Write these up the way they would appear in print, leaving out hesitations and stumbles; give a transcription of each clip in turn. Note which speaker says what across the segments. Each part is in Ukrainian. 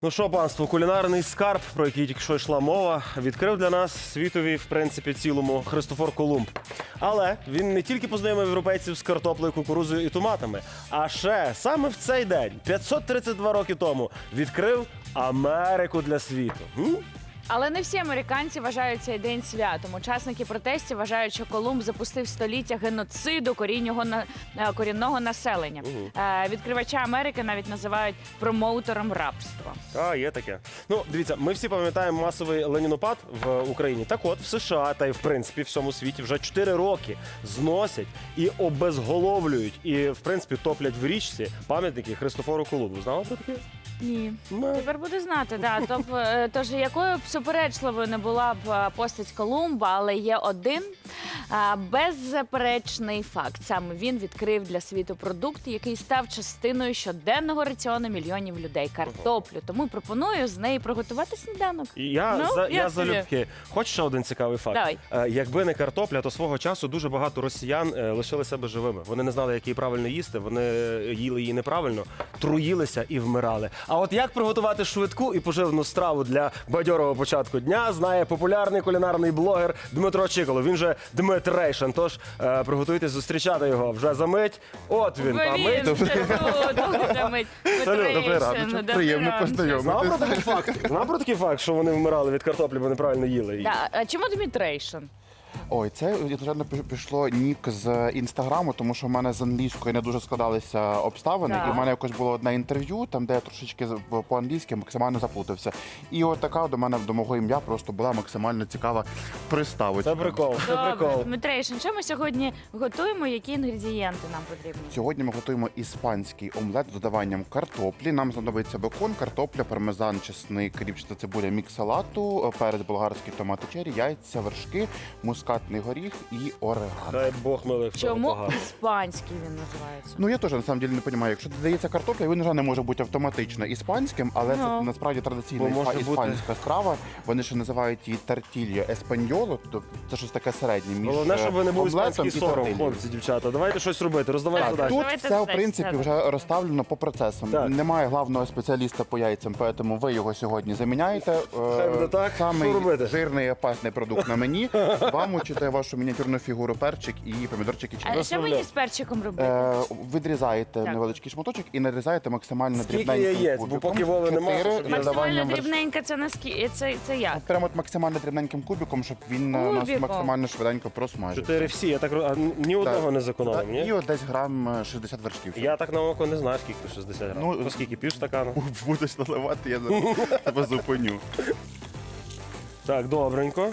Speaker 1: Ну що, панство, кулінарний скарб, про який тільки що йшла мова, відкрив для нас світові, в принципі, цілому Христофор Колумб. Але він не тільки познайомив європейців з картоплею, кукурудзою і томатами, а ще саме в цей день, 532 роки тому, відкрив Америку для світу.
Speaker 2: Але не всі американці вважають цей день святом. Учасники протестів вважають, що Колумб запустив століття геноциду корінного населення. Відкривача Америки навіть називають промоутером рабства.
Speaker 1: А, є таке. Ну, дивіться, ми всі пам'ятаємо масовий ленінопад в Україні. Так от, в США та й в принципі в всьому світі вже 4 роки зносять і обезголовлюють, і в принципі топлять в річці пам'ятники Христофору Колумбу. Знала про таке?
Speaker 2: Ні.
Speaker 1: Ну.
Speaker 2: Тепер буду знати, да. Тож якою б суперечливою не була б постать Колумба, але є один беззаперечний факт. Саме він відкрив для світу продукт, який став частиною щоденного раціону мільйонів людей – картоплю. Тому пропоную з неї приготувати сніданок.
Speaker 1: Я залюбки. Хочеш ще один цікавий факт?
Speaker 2: Давай.
Speaker 1: Якби не картопля, то свого часу дуже багато росіян лишили себе живими. Вони не знали, як її правильно їсти, вони їли її неправильно, труїлися і вмирали. А от як приготувати швидку і поживну страву для бадьорого початку дня, знає популярний кулінарний блогер Дмитро Чиколо. Він же Дмитрейшн. Тож приготуйтесь зустрічати його вже за мить. От він, а мить.
Speaker 3: Добрий ранок. Приємно познайомитися.
Speaker 1: Знав про такий факт, що вони вмирали від картоплі, бо неправильно їли її?
Speaker 2: А чому Дмитрейшн?
Speaker 3: Ой, це звичайно пішло нік з інстаграму, тому що в мене з англійською не дуже складалися обставини.
Speaker 2: Так.
Speaker 3: І в мене якось було одне інтерв'ю, там де я трошечки по-англійськи максимально заплутався. І от така до мене, до мого ім'я, просто була максимально цікава приставочка.
Speaker 1: Це прикол, це прикол.
Speaker 2: Дмитрейшн, що ми сьогодні готуємо? Які інгредієнти нам потрібні?
Speaker 3: Сьогодні ми готуємо іспанський омлет з додаванням картоплі. Нам знадобиться бекон, картопля, пармезан, чесник, ріпчата цибуля, мікс салату, перець болгарський, томати черрі, яйця, вершки, мускатний горіх і орегано.
Speaker 1: Дай Бог милих.
Speaker 2: Чому іспанський він називається?
Speaker 3: Ну я теж на самом деле не розумію. Якщо додається картопля, він вже не може бути автоматично іспанським, але це насправді традиційна
Speaker 1: Бо може
Speaker 3: іспанська страва. Вони ще називають її тартілья еспаньоло, тобто це щось таке середнє між
Speaker 1: Головне, щоб ви не був
Speaker 3: омлетом
Speaker 1: іспанський
Speaker 3: і
Speaker 1: сором,
Speaker 3: тортильєю.
Speaker 1: хлопці, дівчата. Давайте щось робити, роздавайте
Speaker 3: Так,
Speaker 1: задачі.
Speaker 3: тут
Speaker 2: Давайте
Speaker 3: все, в
Speaker 2: задачі,
Speaker 3: принципі,
Speaker 2: так.
Speaker 3: вже розставлено по процесам.
Speaker 1: Так.
Speaker 3: Немає главного спеціаліста по яйцям, тому ви його сьогодні заміняєте.
Speaker 1: Хай буде так.
Speaker 3: Самий
Speaker 1: Що робити?
Speaker 3: жирний і опасний продукт на мені. Вам учите вашу мініатюрну фігуру перчик і помідорчики чи
Speaker 2: А що мені з перчиком робити?
Speaker 3: Відрізаєте
Speaker 2: Так.
Speaker 3: невеличкий шматочок і нарізаєте максимально
Speaker 1: Скільки
Speaker 3: дрібненьким
Speaker 1: яєць? Бо
Speaker 3: кубиком.
Speaker 1: поки Вови нема,
Speaker 3: 4
Speaker 1: щоб
Speaker 3: з
Speaker 1: я-
Speaker 2: Максимально
Speaker 3: додаванням
Speaker 2: дрібненька це це як?
Speaker 3: Прямо от максимально дрібненьким кубиком, щоб він нас
Speaker 2: Кубиком.
Speaker 3: максимально швиденько просмажив.
Speaker 1: 4 всі, я так ні одного не зекономив,
Speaker 3: І
Speaker 1: ні?
Speaker 3: от десь грам 60 вершків.
Speaker 1: Я так на око не знаю, скільки 60 грамів.
Speaker 3: Ну,
Speaker 1: По скільки, пів стакану?
Speaker 3: Будеш наливати, я тебе зупиню.
Speaker 1: Так, добренько.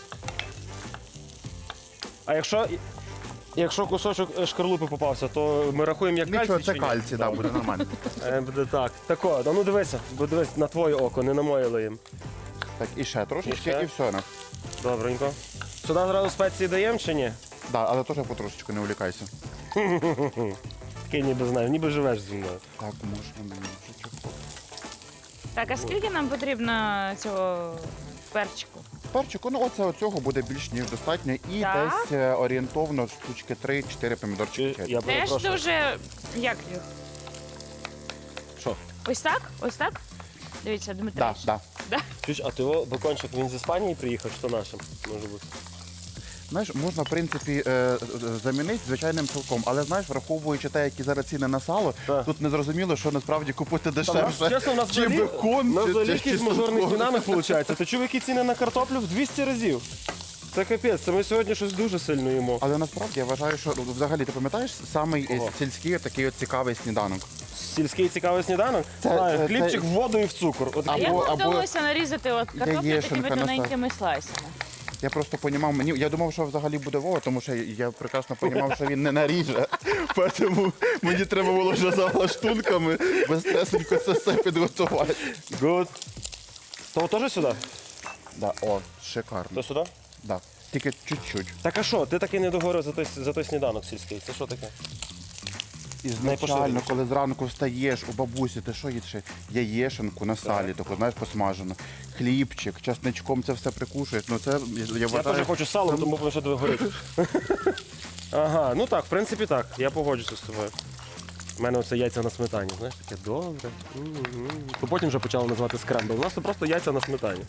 Speaker 1: А якщо кусочок шкарлупи попався, то ми рахуємо як
Speaker 3: Нічого,
Speaker 1: кальцій
Speaker 3: це
Speaker 1: чи ні?
Speaker 3: кальцій, да, буде нормально.
Speaker 1: Буде так. Тако, ну дивися, бо дивись на твоє око, не на моє лиєм.
Speaker 3: Так, і ще трошечки,
Speaker 1: І ще?
Speaker 3: і все.
Speaker 1: Добренько. Сюди зразу спеції даємо чи ні?
Speaker 3: Да, але теж потрошечку не увлікайся.
Speaker 1: Такий ніби знаю, ніби живеш зі мною.
Speaker 3: Так, можна мені вже чого.
Speaker 2: Так, а скільки нам потрібно цього перчику?
Speaker 3: Перчику, ну оцього буде більш ніж достатньо. І
Speaker 2: Так?
Speaker 3: десь орієнтовно штучки 3-4 помідорчики черрі.
Speaker 1: Я
Speaker 2: Теж
Speaker 1: перепрошую.
Speaker 2: дуже. Як їх?
Speaker 1: Що?
Speaker 2: Ось так? Ось так? Дивіться,
Speaker 3: Да,
Speaker 2: Дмитрич.
Speaker 3: да.
Speaker 1: Чуєш, а ти його бекончик, він з Іспанії приїхав, що нашим? Може бути.
Speaker 3: Знаєш, можна, в принципі, замінити звичайним цілком, але, знаєш, враховуючи те, які зараз ціни на сало,
Speaker 1: Так.
Speaker 3: тут не зрозуміло, що насправді купити
Speaker 1: Та,
Speaker 3: дешевше,
Speaker 1: чесно, у нас
Speaker 3: чи бекон,
Speaker 1: взагалі
Speaker 3: чи
Speaker 1: якийсь мажорний
Speaker 3: сало.
Speaker 1: динамік виходить. Ти чув, які ціни на картоплю в 200 разів? Це капець, це ми сьогодні щось дуже сильно їмо.
Speaker 3: Але насправді я вважаю, що взагалі ти пам'ятаєш самий
Speaker 1: Кого?
Speaker 3: сільський такий от цікавий сніданок.
Speaker 1: Сільський цікавий сніданок? Знаю,
Speaker 3: це-
Speaker 1: хлібчик в воду і в цукор. От
Speaker 2: А
Speaker 3: Або-
Speaker 2: як вам
Speaker 3: або
Speaker 2: вдалося нарізати от картоплю
Speaker 3: яєшенка
Speaker 2: такими
Speaker 3: на
Speaker 2: тоненькими слайсами?
Speaker 3: Я просто понімав, я думав, що взагалі буде Вова, тому що я прекрасно понімав, що він не наріже. Тому мені треба було вже за лаштунками безстресенько це все підготувати.
Speaker 1: Good. То теж сюди?
Speaker 3: Да, о, шикарно.
Speaker 1: То сюди?
Speaker 3: Да. Тільки чуть-чуть.
Speaker 1: Так а що, ти таки не договорив за той сніданок сільський? Це що таке?
Speaker 3: Ізначально, коли зранку встаєш у бабусі, ти що їдеш? Яєшенку на салі, таку, знаєш, посмажену. Хлібчик, часничком це все прикушуєш. Ну це, я
Speaker 1: Я
Speaker 3: вважаю,
Speaker 1: теж хочу салом, тому що тебе горить. Ага, ну так, в принципі так. Я погоджуся з тобою. У мене оце яйця на сметані, знаєш, таке добре. То потім вже почали називати скрембл. У нас це просто яйця на сметані.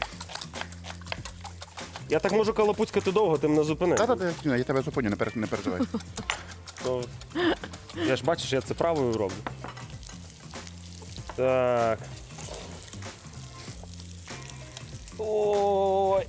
Speaker 1: Я так можу калапуцькати довго, ти мене зупини.
Speaker 3: Та-та-та, я тебе зупиню, не переживай.
Speaker 1: То... Я ж бачиш, я це правою роблю. Так. Ой.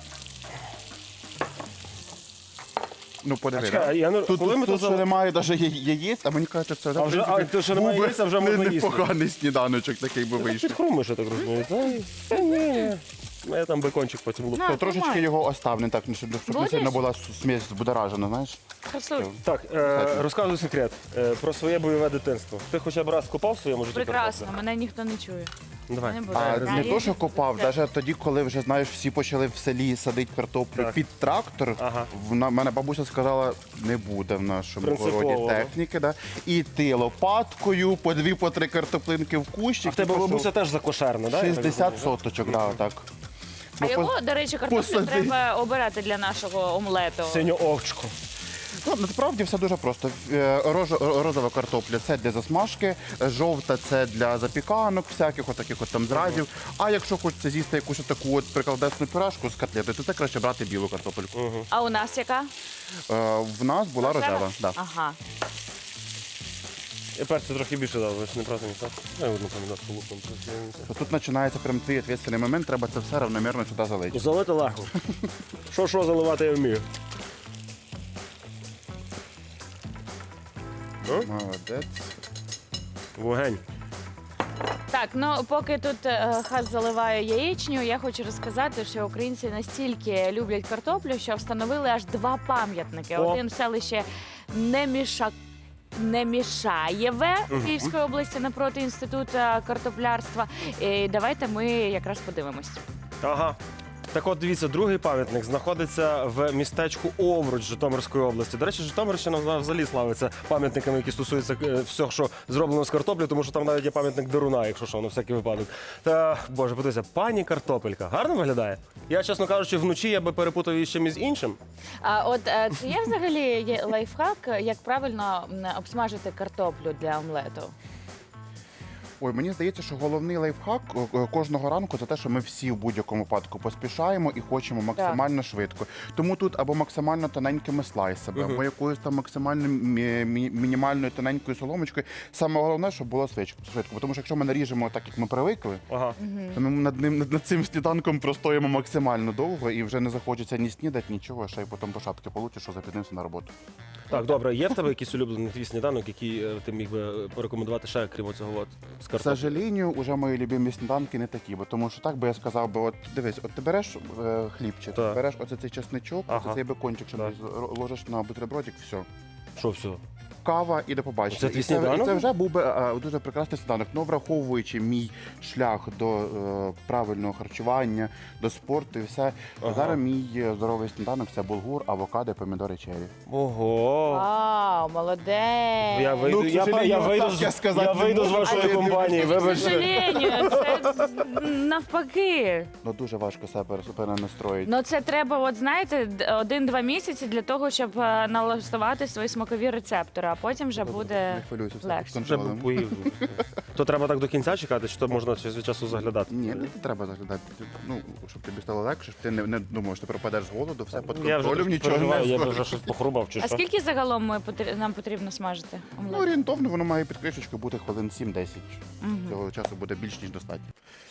Speaker 3: Ну, подиви.
Speaker 1: чекай,
Speaker 3: да?
Speaker 1: я не-
Speaker 3: Тут,
Speaker 1: коли ми
Speaker 3: тут
Speaker 1: тут
Speaker 3: ще немає навіть яєць, а мені кажуть, це
Speaker 1: А вже- а, то, що немає яєць, а вже можна їсти.
Speaker 3: непоганий сніданочок такий би
Speaker 1: Ти
Speaker 3: вийшов.
Speaker 1: підхрумиш, я так розумію. Та ні. Я там бекончик потім луплю.
Speaker 2: На.
Speaker 3: Трошечки
Speaker 2: тримай.
Speaker 3: його остав, не так, щоб не
Speaker 2: Будеш?
Speaker 3: сильно була смесь збудоражена, знаєш?
Speaker 2: Красуй.
Speaker 1: Так, розказуй секрет про своє бойове дитинство. Ти хоча б раз копав в своєму житті
Speaker 2: Прекрасно,
Speaker 1: картоплю?
Speaker 2: мене ніхто не чує.
Speaker 1: Ну, давай.
Speaker 2: Не буду.
Speaker 3: А
Speaker 2: Да,
Speaker 3: не
Speaker 2: є
Speaker 3: то, що
Speaker 2: якісь
Speaker 3: копав,
Speaker 2: секрети?
Speaker 3: навіть тоді, коли вже, знаєш, всі почали в селі садити картоплю
Speaker 1: Так.
Speaker 3: під трактор,
Speaker 1: Ага.
Speaker 3: мене бабуся сказала, не буде в нашому
Speaker 1: Принципово.
Speaker 3: городі техніки. Да? І ти лопаткою, по 2-3 картоплинки в кущик.
Speaker 1: А в тебе
Speaker 3: і пішов.
Speaker 1: бабуся теж закошерна, так?
Speaker 3: 60 соточок, да, так.
Speaker 2: А
Speaker 3: Ну,
Speaker 2: його, до речі, картоплю
Speaker 3: посади.
Speaker 2: треба обирати для нашого омлету.
Speaker 1: Синю овчку.
Speaker 3: Ну, насправді все дуже просто. Розова картопля це для засмажки, жовта це для запіканок, всяких отаких от там зразів. А якщо хочеться з'їсти якусь таку от прикладесну пюрешку з котлети, то це краще брати білу картопельку.
Speaker 2: А у нас яка?
Speaker 3: В нас була рожева. Да.
Speaker 2: Ага.
Speaker 1: Я перцю трохи більше дав, ви ж не правда, не так? Я одну помідорку лупом.
Speaker 3: Тут починається прям твій відповідальний момент, треба це все равномірно сюди залити.
Speaker 1: Залити легко. Що заливати я вмію.
Speaker 3: Молодець.
Speaker 1: Вогонь.
Speaker 2: Так, ну поки тут Хас заливає яєчню, я хочу розказати, що українці настільки люблять картоплю, що встановили аж 2 пам'ятники.
Speaker 1: О.
Speaker 2: Один в селищі Немішаєве Київської області напроти інституту картоплярства. І давайте ми якраз подивимось.
Speaker 1: Ага. Так от, дивіться, другий пам'ятник знаходиться в містечку Овруч Житомирської області. До речі, Житомирщина взагалі славиться пам'ятниками, які стосуються всього, що зроблено з картоплі, тому що там навіть є пам'ятник Деруна, якщо що, на всякий випадок. Та, боже, подивіться, пані картопелька. Гарно виглядає? Я, чесно кажучи, вночі я би перепутав її з чимось іншим.
Speaker 2: А от чи є взагалі лайфхак, як правильно обсмажити картоплю для омлету?
Speaker 3: Ой, мені здається, що головний лайфхак кожного ранку це те, що ми всі в будь-якому випадку поспішаємо і хочемо максимально швидко. Тому тут або максимально тоненькими слайсами, або якоюсь там максимально мінімальною тоненькою соломочкою. Саме головне, щоб було швидко. Тому що якщо ми наріжемо так, як ми привикли,
Speaker 1: Ага.
Speaker 3: то ми над цим сніданком простоїмо максимально довго і вже не захочеться ні снідати, нічого, ще й потім по шапки получиш, що запізнився на роботу.
Speaker 1: Так, добре, є в тебе якийсь улюблений твій сніданок, який ти міг би порекомендувати ще, крім цього от, з
Speaker 3: К
Speaker 1: картоплі?
Speaker 3: сожалению, уже мої любимі сніданки не такі, бо тому що так би я сказав би, от дивись, от ти береш хлібчик,
Speaker 1: Так.
Speaker 3: береш оце цей чесничок,
Speaker 1: Ага.
Speaker 3: оце цей бекончик, що
Speaker 1: Так.
Speaker 3: ложиш на бутербродик, все.
Speaker 1: Що все?
Speaker 3: Кава і до побачення.
Speaker 1: Це твій
Speaker 3: І
Speaker 1: сніданок?
Speaker 3: це вже був би дуже прекрасний сніданок. Ну, враховуючи мій шлях до правильного харчування, до спорту і все.
Speaker 1: Ага.
Speaker 3: Зараз мій здоровий сніданок це булгур, авокадо, помідори, чері.
Speaker 1: Ого!
Speaker 2: Вау, молодець!
Speaker 1: Я вийду,
Speaker 3: Ну, к
Speaker 1: я
Speaker 3: сожалению,
Speaker 1: вийду,
Speaker 3: так я сказати
Speaker 1: я
Speaker 3: не
Speaker 1: вийду з
Speaker 3: можу,
Speaker 1: вашої
Speaker 3: але я
Speaker 1: компанії,
Speaker 3: дивлюся.
Speaker 2: К
Speaker 1: вибачте.
Speaker 2: сожалению, це навпаки.
Speaker 3: Ну дуже важко себе перенастроїти.
Speaker 2: Ну це треба, от знаєте, 1-2 місяці для того, щоб налаштувати свої смакові рецептори, а потім вже буде
Speaker 3: Не хвилюйся, все
Speaker 2: легше.
Speaker 3: під
Speaker 1: Вже
Speaker 3: контролем.
Speaker 1: поїв. То треба так до кінця чекати, чи то можна час від часу заглядати?
Speaker 3: Ні, не треба заглядати. Ну, щоб тобі стало легше, щоб ти не думав, що ти пропадеш з голоду, все під
Speaker 1: Я вже
Speaker 3: контролем,
Speaker 1: трошки
Speaker 3: нічого
Speaker 1: переживаю,
Speaker 3: не
Speaker 1: я б
Speaker 3: скажеш.
Speaker 1: вже щось похрубав чи
Speaker 2: А
Speaker 1: що.
Speaker 2: скільки загалом нам потрібно смажити
Speaker 3: Ну,
Speaker 2: омлет?
Speaker 3: орієнтовно воно має під кришечкою бути хвилин 7-10. Цього часу буде більш ніж достатньо.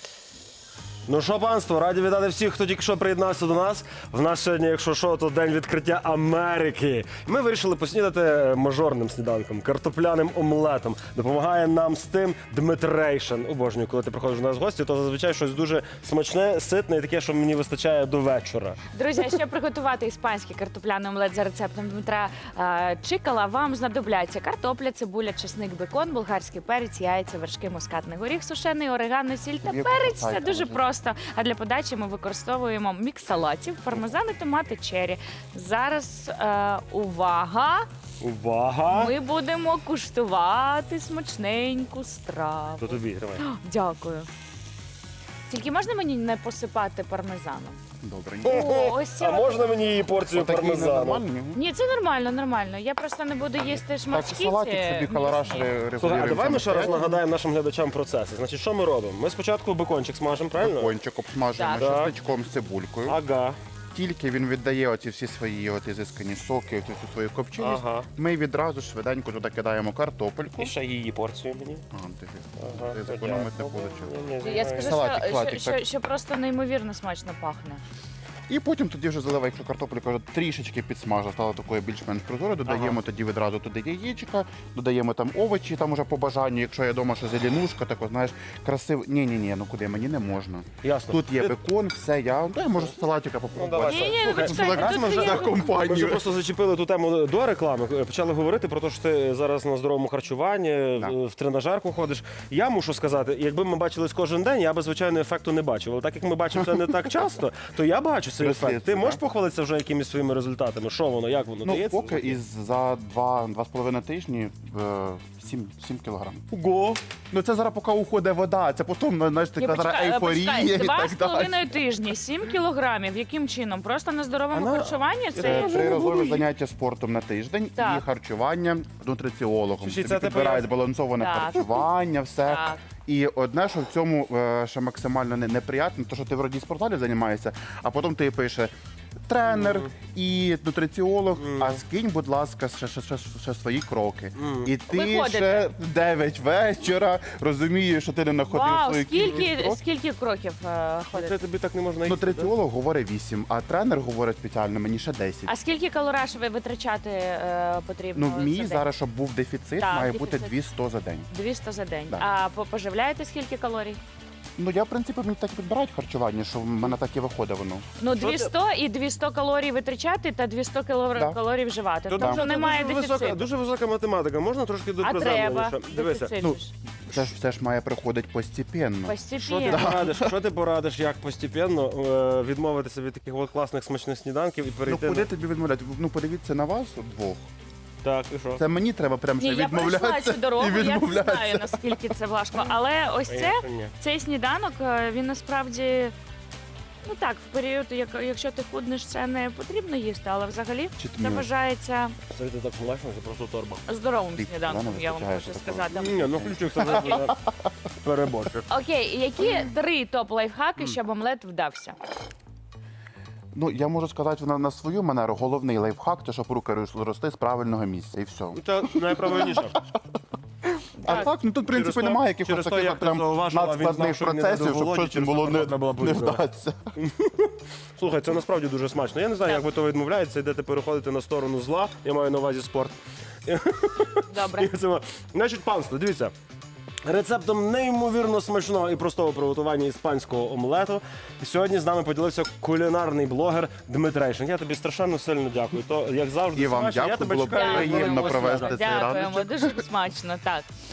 Speaker 1: Ну що, панство, раді вітати всіх, хто тільки що приєднався до нас. В нас сьогодні, якщо що, то день відкриття Америки. Ми вирішили поснідати мажорним сніданком, картопляним омлетом. Допомагає нам з тим Дмитрейшин. Обожнюю, коли ти приходиш до нас в гості, то зазвичай щось дуже смачне, ситне і таке, що мені вистачає до вечора.
Speaker 2: Друзі, а щоб приготувати іспанський картопляний омлет за рецептом Дмитра Чикала, вам знадобляться картопля, цибуля, чесник, бекон, болгарський перець, яйця, вершки, мускатний горіх, сушений, орегано, сіль та
Speaker 3: Є
Speaker 2: перець. Це
Speaker 3: картопля,
Speaker 2: дуже
Speaker 3: може.
Speaker 2: просто. А для подачі ми використовуємо мікс салатів, пармезан і томати черрі. Зараз увага!
Speaker 1: Увага!
Speaker 2: Ми будемо куштувати смачненьку страву.
Speaker 1: То тобі, тримай.
Speaker 2: Дякую. Тільки можна мені не посипати пармезаном?
Speaker 3: Добре.
Speaker 2: О, ось це
Speaker 1: А
Speaker 2: от-
Speaker 1: можна мені її порцію
Speaker 3: Отакий
Speaker 1: пармезану?
Speaker 3: ненормальний.
Speaker 2: Ні, це нормально, нормально. Я просто не буду їсти
Speaker 3: Так,
Speaker 2: шматки.
Speaker 3: салатик
Speaker 2: ці
Speaker 3: собі колораж
Speaker 2: м'ясні.
Speaker 1: Слухай, а
Speaker 3: регулюємо.
Speaker 1: давай ми ще раз нагадаємо нашим глядачам процеси. Значить, що ми робимо? Ми спочатку бекончик смажемо, правильно?
Speaker 3: Кончик обсмажуємо
Speaker 2: Так.
Speaker 3: чесничком з цибулькою.
Speaker 1: Ага.
Speaker 3: Тільки він віддає оці всі свої ізискані соки, оцю всю свою копченість,
Speaker 1: Ага.
Speaker 3: ми відразу швиденько туди кидаємо картопельку.
Speaker 1: І ще її порцію мені.
Speaker 3: Ти зекономити вийшло.
Speaker 2: Я скажу,
Speaker 3: Салатик,
Speaker 2: що,
Speaker 3: салатик,
Speaker 2: що,
Speaker 3: так.
Speaker 2: що, що просто неймовірно смачно пахне.
Speaker 3: І потім тоді вже заливай, якщо картопелька вже трішечки підсмажена, стала такою більш-менш прозорою, додаємо тоді відразу туди яєчка, додаємо там овочі, там уже по бажанню, якщо я вдома, що зеленушка, так, знаєш, красиво. Ні, ну куди, мені не можна.
Speaker 1: Ясно.
Speaker 3: Тут є бекон, все, я можу салатика попробувати.
Speaker 1: давай.
Speaker 2: Ні,
Speaker 1: Слухай,
Speaker 2: почекайте,
Speaker 1: раз ми
Speaker 2: тут
Speaker 1: вже
Speaker 2: є-
Speaker 1: за Ми вже
Speaker 3: компанію.
Speaker 1: просто зачепили ту тему до реклами, почали говорити про те, що ти зараз на здоровому харчуванні,
Speaker 3: Так.
Speaker 1: в тренажерку ходиш. Я мушу сказати, якби ми бачились кожен день, я би, звичайно, ефекту не бачив. Але так як ми бачимо це не так часто, то я бачу цей ефект. Ти
Speaker 3: Прислідство,
Speaker 1: можеш
Speaker 3: так.
Speaker 1: похвалитися вже якимись своїми результатами? Що воно, як воно?
Speaker 3: Ну,
Speaker 1: дається?
Speaker 3: поки із за 2,5 тижні 7 кілограм.
Speaker 1: Ого!
Speaker 3: Ну це зараз поки уходить вода, це потім, знаєш,
Speaker 2: Ні,
Speaker 3: така зараз
Speaker 2: почекай,
Speaker 3: ейфорія і
Speaker 2: почекай,
Speaker 3: так далі.
Speaker 2: 2,5 тижні, 7 кілограмів. Яким чином? Просто на здоровому
Speaker 1: Вона-
Speaker 2: харчуванні? Це
Speaker 3: Триразове заняття спортом на тиждень
Speaker 2: Так.
Speaker 3: і харчування нутриціологом.
Speaker 1: Слушай,
Speaker 3: Тобі
Speaker 1: це типу
Speaker 3: підбирають
Speaker 1: як-
Speaker 3: збалансоване
Speaker 2: Так.
Speaker 3: харчування, все.
Speaker 2: Так.
Speaker 3: І одне, що в цьому ще максимально неприємно, то що ти вроді в спортзалі займаєшся, а потім ти пише тренер і нутриціолог, а скинь, будь ласка, ще свої кроки. І ти
Speaker 2: Виходите.
Speaker 3: ще 9 вечора розумієш, що ти не находив
Speaker 2: Вау,
Speaker 3: свою кількість
Speaker 2: скільки,
Speaker 3: кроків.
Speaker 2: скільки кроків
Speaker 1: Це
Speaker 2: ходить?
Speaker 1: тобі так не можна їсти.
Speaker 3: Нутриціолог говорить 8, а тренер говорить спеціально мені ще 10.
Speaker 2: А скільки калораш ви витрачати потрібно?
Speaker 3: Ну, мій
Speaker 2: за день?
Speaker 3: зараз, щоб був дефіцит,
Speaker 2: Так,
Speaker 3: має
Speaker 2: дефіцит.
Speaker 3: бути 200 за день.
Speaker 2: 200 за день.
Speaker 3: Да.
Speaker 2: А поживляєте скільки калорій?
Speaker 3: Ну, я, в принципі, мені так і підбирають харчування, що в мене так і виходить воно.
Speaker 2: Ну,
Speaker 1: Що
Speaker 2: 200 і 200 калорій витрачати та 200
Speaker 3: Да.
Speaker 2: калорій вживати.
Speaker 1: Тут
Speaker 2: Тобто
Speaker 1: дуже,
Speaker 2: немає
Speaker 1: дуже висока,
Speaker 2: дефіциту.
Speaker 1: дуже висока математика. Можна трошки
Speaker 2: А треба
Speaker 1: доприземленіше? Дивися.
Speaker 2: дефіцит
Speaker 3: Ну,
Speaker 2: же ж.
Speaker 3: Це ж має приходити постепенно.
Speaker 1: Що ти
Speaker 2: Постепенно.
Speaker 1: порадиш? Що ти порадиш, як постепенно відмовитися від таких от класних смачних сніданків і
Speaker 3: Ну,
Speaker 1: перейти
Speaker 3: куди
Speaker 1: на...
Speaker 3: тобі відмовляти? Ну, подивіться на вас двох.
Speaker 1: Так, і що?
Speaker 3: Це мені треба прям
Speaker 2: Ні,
Speaker 3: ще
Speaker 2: я пройшла
Speaker 3: відмовлятися
Speaker 2: цю дорогу,
Speaker 3: і
Speaker 2: я не
Speaker 3: відмовлятися.
Speaker 2: знаю, наскільки це важко. Але ось це,
Speaker 1: Ні.
Speaker 2: цей сніданок, він насправді, ну так, в період, якщо ти худнеш, це не потрібно їсти, але взагалі
Speaker 3: Чи ти
Speaker 2: це
Speaker 3: мені-
Speaker 2: вважається
Speaker 1: Це так смачно, це просто торба.
Speaker 2: здоровим
Speaker 3: Ти
Speaker 2: сніданком,
Speaker 3: рано
Speaker 2: я вам
Speaker 3: вистачаєш
Speaker 2: хочу
Speaker 3: такого.
Speaker 2: сказати.
Speaker 1: Ні, ну включив себе переборчик.
Speaker 2: Окей, які 3 топ-лайфхаки, щоб омлет вдався?
Speaker 3: Ну, я можу сказати на свою манеру, головний лайфхак, то щоб руки рости з правильного місця, і все.
Speaker 1: Це найправильніше.
Speaker 3: А так, ну тут, в принципі,
Speaker 1: Через то-
Speaker 3: немає якихось
Speaker 1: через то,
Speaker 3: таких
Speaker 1: як
Speaker 3: от
Speaker 1: ти
Speaker 3: прям
Speaker 1: зауважила, він
Speaker 3: надскладних
Speaker 1: знав, що він не
Speaker 3: процесів,
Speaker 1: даде
Speaker 3: щоб
Speaker 1: Володі,
Speaker 3: щось
Speaker 1: через
Speaker 3: було
Speaker 1: то
Speaker 3: не,
Speaker 1: можна було
Speaker 3: не
Speaker 1: бути.
Speaker 3: вдатися.
Speaker 1: Слухай, це насправді дуже смачно. Я не знаю, як ви то відмовляєтеся, йдете переходити на сторону зла. Я маю на увазі спорт.
Speaker 2: Добре.
Speaker 1: Значить, панство, дивіться. Рецептом неймовірно смачного і простого приготування іспанського омлету. Сьогодні з нами поділився кулінарний блогер Дмитрейшин. Я тобі страшенно сильно дякую. То, як завжди,
Speaker 3: І вам
Speaker 1: смачно. Я
Speaker 3: дякую,
Speaker 1: тебе
Speaker 3: було
Speaker 1: чекаю.
Speaker 3: приємно
Speaker 1: Дякую.
Speaker 3: провести цей
Speaker 2: Дякуємо,
Speaker 3: раночок.
Speaker 2: дуже смачно, так.